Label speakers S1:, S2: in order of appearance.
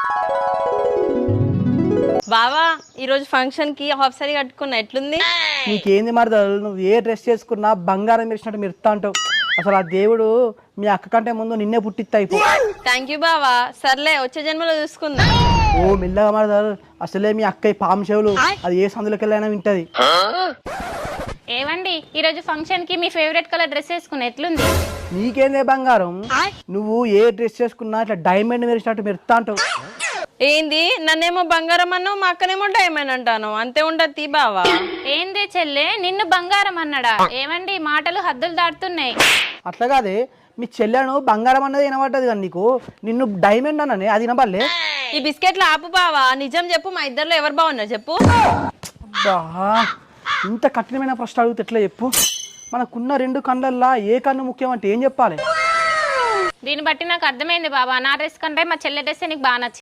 S1: బావా ఈరోజు ఫంక్షన్ కి హాఫ్ సారీ కట్టుకున్నా ఎట్లుంది?
S2: నీకేంది మరదలు, నువ్వు ఏ డ్రెస్ చేసుకున్నా బంగారం మెరిసినట్టు మెరుస్తా అంటావు. అసలు ఆ దేవుడు మీ అక్క కంటే ముందు నిన్నే పుట్టిస్తా అయిపో.
S1: థ్యాంక్ యూ బావా. సర్లే వచ్చే జన్మలో చూసుకుందా.
S2: ఓ మెల్లగా మరదలు, అసలే మీ అక్క పాము చెవులు, అది ఏ సందులోకి వెళ్ళైనా వింటది.
S3: ఏవండి ఈరోజు ఫంక్షన్ కి మీ ఫేవరెట్ కలర్ డ్రెస్ వేసుకుని ఎట్లుంది?
S2: నీకేందే బంగారం, నువ్వు ఏ డ్రెస్ చేసుకున్నా ఇట్లా డైమండ్ మెరిసినట్టు మెరుస్తా అంటావు.
S1: ఏంది నన్నేమో బంగారం అన్నావు, మా అక్కనేమో డైమండ్ అంటాను. అంతే ఉండదు తీ బావా.
S3: ఏందే చెల్లె నిన్ను బంగారం అన్నాడా? ఏవండి మాటలు హద్దులు దాటుతున్నాయి.
S2: అట్లా కాదే, మీ చెల్లెను బంగారం అన్నది వినబడ్డది కానీ నీకు నిన్ను డైమండ్ అన్ననే అది వినబడలే.
S1: ఈ బిస్కెట్లు ఆపు బావా. నిజం చెప్పు, మా ఇద్దరిలో ఎవరు బాగున్నారు చెప్పు.
S2: అబ్బా, ఇంత కఠినమైన ప్రశ్న అడిగితే ఎట్లా చెప్పు? మనకున్న రెండు కళ్ళల్లో ఏ కన్ను ముఖ్యం అంటే ఏం చెప్పాలి?
S3: దీన్ని బట్టి నాకు అర్థమైంది బాబా, నా డ్రెస్ కంటే మా చెల్లె డ్రెస్ నీకు బాగా నచ్చింది.